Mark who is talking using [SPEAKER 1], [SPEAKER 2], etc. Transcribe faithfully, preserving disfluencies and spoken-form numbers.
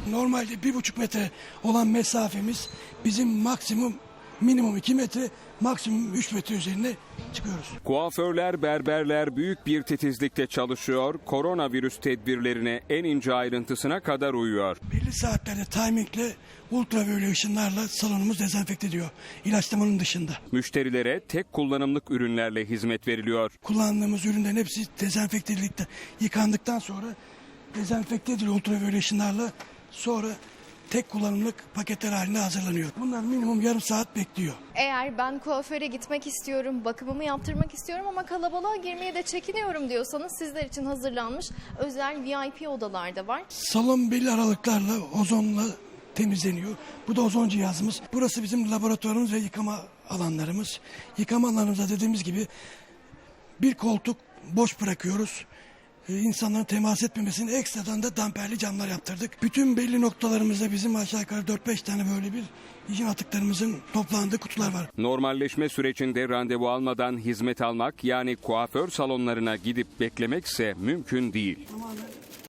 [SPEAKER 1] Normalde bir buçuk metre olan mesafemiz bizim maksimum minimum iki metre, maksimum üç metre üzerine çıkıyoruz.
[SPEAKER 2] Kuaförler, berberler büyük bir titizlikle çalışıyor, koronavirüs tedbirlerine en ince ayrıntısına kadar uyuyor.
[SPEAKER 1] Belli saatlerde timingle ultraviyole ışınlarla salonumuz dezenfekte ediyor, ilaçlamanın dışında.
[SPEAKER 2] Müşterilere tek kullanımlık ürünlerle hizmet veriliyor.
[SPEAKER 1] Kullandığımız ürünlerin hepsi dezenfekte edildikten, yıkandıktan sonra dezenfekte ediliyor ultraviyole ışınlarla, sonra tek kullanımlık paketler halinde hazırlanıyor. Bunlar minimum yarım saat bekliyor.
[SPEAKER 3] Eğer ben kuaföre gitmek istiyorum, bakımımı yaptırmak istiyorum ama kalabalığa girmeye de çekiniyorum diyorsanız sizler için hazırlanmış özel V I P odalar da var.
[SPEAKER 1] Salon belli aralıklarla ozonla temizleniyor. Bu da ozon cihazımız. Burası bizim laboratuvarımız ve yıkama alanlarımız. Yıkama alanımızda dediğimiz gibi bir koltuk boş bırakıyoruz. Ee, insanların temas etmemesini ekstradan da damperli camlar yaptırdık. Bütün belli noktalarımızda bizim aşağı yukarı dört beş tane böyle bir hijyen atıklarımızın toplandığı kutular var.
[SPEAKER 2] Normalleşme sürecinde randevu almadan hizmet almak, yani kuaför salonlarına gidip beklemekse mümkün değil.
[SPEAKER 1] Tamamen